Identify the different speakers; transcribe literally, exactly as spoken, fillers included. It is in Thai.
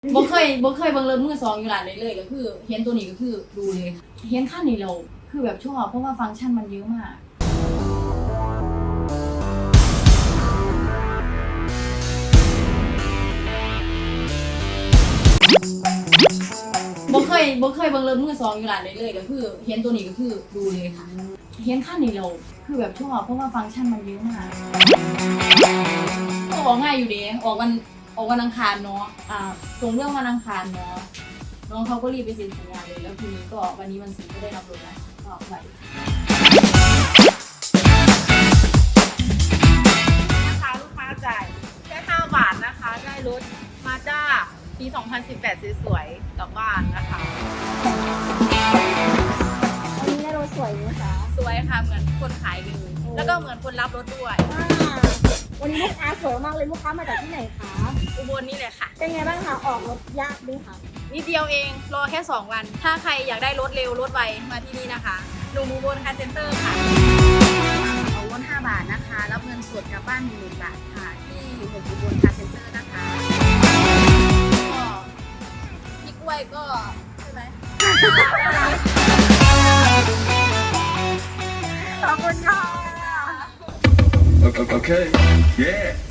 Speaker 1: บ่เคยบ่เคยเบิ่งรถมือสองอยู่ร้านเลยเลยก็คือเห็นตัวนี้ก็คือดูเลยค่ะเห็นคันนี้เราคือแบบชอบเพราะว่าฟังก์ชันมันเยอะมากบ่เคยบ่เคยเบิ่งรถมือสองอยู่ร้านเลยเลยก็คือเห็นตัวนี้ก็คือดูเลยค่ะเห็นคันนี้เราคือแบบชอบเพราะว่าฟังก์ชันมันเยอะมากออกง่ายอยู่ดีออกวันออกวันอังคารเนาะอ่าส่งเรื่องวันอังคารเนาะน้องเขาก็รีบไปเซ็นสัญญาเลยแล้วทีนี้ก็วันนี้วันศุกร์ก็ได้รับรถแล้วก็ไป
Speaker 2: นะคะลูกค้าจ่ายแค่ห้าบาทนะคะได้รถมาด้าปีสองพันสิบแปดสวยๆกลับบ้านนะคะ
Speaker 3: วันนี้ได้รถสวยไหมคะ
Speaker 2: สวยค่ะเหมือนคนขายเลยแล้วก็เหมือนคนรับรถด้วย
Speaker 3: อ่าวันนี้ลูกค้าสวยมากเลยลูกค้ามาจากที่ไหนคะ
Speaker 2: อุบลนี่เลยค่ะ
Speaker 3: เป็นไงบ้างคะออกรถยากด้วยคะ
Speaker 2: นิดเดียวเองรอแค่สองวัน ถ้าใครอยากได้รถเร็วรถไวมาที่นี่นะคะหนุ่มอุบลคาร์เซ็นเตอร์ค่ะเอารถห้าบาทนะคะรับเงินสดกลับบ้านหนึ่งหมื่นบาทค่ะที่หนุ่มอุบลคาร์เซ็นเตอร์นะคะก็พี่กล้วยก็ใช่ไหม
Speaker 3: ขอบคุณค่ะ
Speaker 4: Okay. Okay. Yeah.